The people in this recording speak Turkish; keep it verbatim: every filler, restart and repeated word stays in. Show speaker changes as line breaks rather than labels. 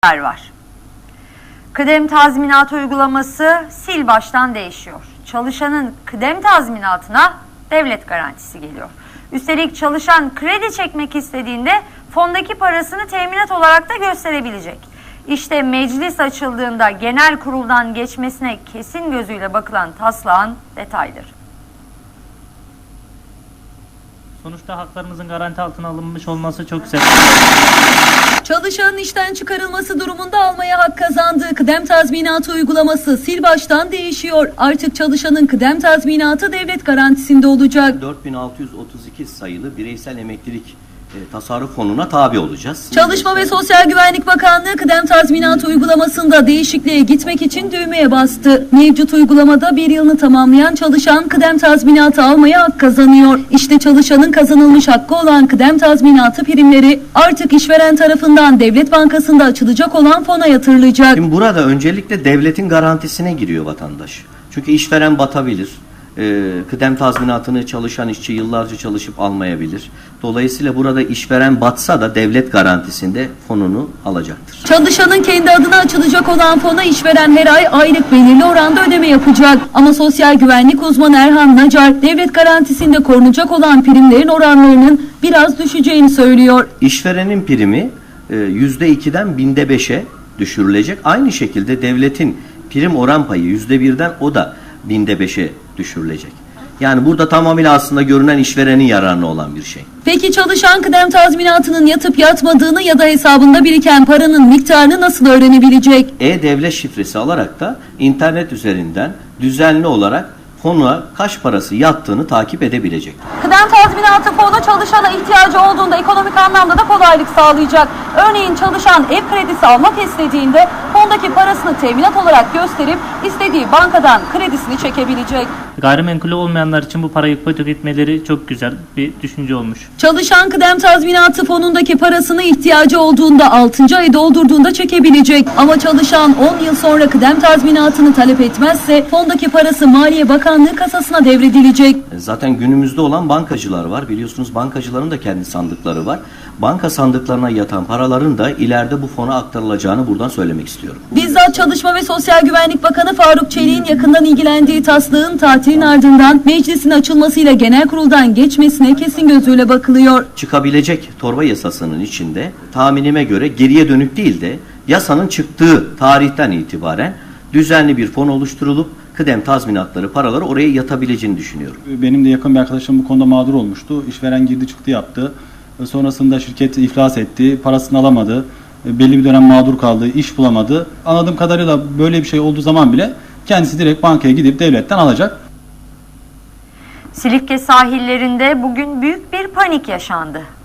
var. Kıdem tazminatı uygulaması sil baştan değişiyor. Çalışanın kıdem tazminatına devlet garantisi geliyor. Üstelik çalışan kredi çekmek istediğinde fondaki parasını teminat olarak da gösterebilecek. İşte meclis açıldığında genel kuruldan geçmesine kesin gözüyle bakılan taslağın detayları.
Sonuçta haklarımızın garanti altına alınmış olması çok güzel.
Çalışanın işten çıkarılması durumunda almaya hak kazandığı kıdem tazminatı uygulaması sil baştan değişiyor. Artık çalışanın kıdem tazminatı devlet garantisinde olacak.
dört bin altı yüz otuz iki sayılı bireysel emeklilik e, tasarruf fonuna tabi olacağız.
Çalışma ve Sosyal Güvenlik Bakanlığı kıdem tazminatı uygulamasında değişikliğe gitmek için düğmeye bastı. Mevcut uygulamada bir yılını tamamlayan çalışan kıdem tazminatı almaya hak kazanıyor. İşte çalışanın kazanılmış hakkı olan kıdem tazminatı primleri artık işveren tarafından Devlet Bankası'nda açılacak olan fona yatırılacak.
Şimdi burada öncelikle devletin garantisine giriyor vatandaş. Çünkü işveren batabilir. Ee, kıdem tazminatını çalışan işçi yıllarca çalışıp almayabilir. Dolayısıyla burada işveren batsa da devlet garantisinde fonunu alacaktır.
Çalışanın kendi adına açılacak olan fona işveren her ay aylık belirli oranda ödeme yapacak. Ama sosyal güvenlik uzmanı Erhan Nacar, devlet garantisinde korunacak olan primlerin oranlarının biraz düşeceğini söylüyor.
İşverenin primi e, yüzde ikiden binde beşe düşürülecek. Aynı şekilde devletin prim oran payı yüzde birden o da binde beşe düşürülecek. Yani burada tamamıyla aslında görünen işverenin yararına olan bir şey.
Peki çalışan kıdem tazminatının yatıp yatmadığını ya da hesabında biriken paranın miktarını nasıl öğrenebilecek?
E-Devlet şifresi alarak da internet üzerinden düzenli olarak fona kaç parası yattığını takip edebilecek.
Kıdem tazminatı fonu çalışana ihtiyacı olduğunda ekonomik anlamda da kolaylık sağlayacak. Örneğin çalışan ev kredisi almak istediğinde fondaki parasını teminat olarak gösterip istediği bankadan kredisini çekebilecek.
Gayrimenkulü olmayanlar için bu parayı ipotek etmeleri çok güzel bir düşünce olmuş.
Çalışan kıdem tazminatı fonundaki parasını ihtiyacı olduğunda altıncı ayı doldurduğunda çekebilecek. Ama çalışan on yıl sonra kıdem tazminatını talep etmezse fondaki parası Maliye Bakanlığı kasasına devredilecek.
Zaten günümüzde olan bankacılar var. Biliyorsunuz bankacıların da kendi sandıkları var. Banka sandıklarına yatan paraların da ileride bu fona aktarılacağını buradan söylemek istiyorum.
Bizzat Çalışma ve Sosyal Güvenlik Bakanı Faruk Çelik'in yakından ilgilendiği taslağın tatilin ardından meclisin açılmasıyla genel kuruldan geçmesine kesin gözüyle bakılıyor.
Çıkabilecek torba yasasının içinde tahminime göre geriye dönük değil de yasanın çıktığı tarihten itibaren düzenli bir fon oluşturulup kıdem tazminatları, paraları oraya yatabileceğini düşünüyorum.
Benim de yakın bir arkadaşım bu konuda mağdur olmuştu. İşveren girdi çıktı yaptı. Sonrasında şirket iflas etti, parasını alamadı. Belli bir dönem mağdur kaldı, iş bulamadı. Anladığım kadarıyla böyle bir şey olduğu zaman bile kendisi direkt bankaya gidip devletten alacak.
Silifke sahillerinde bugün büyük bir panik yaşandı.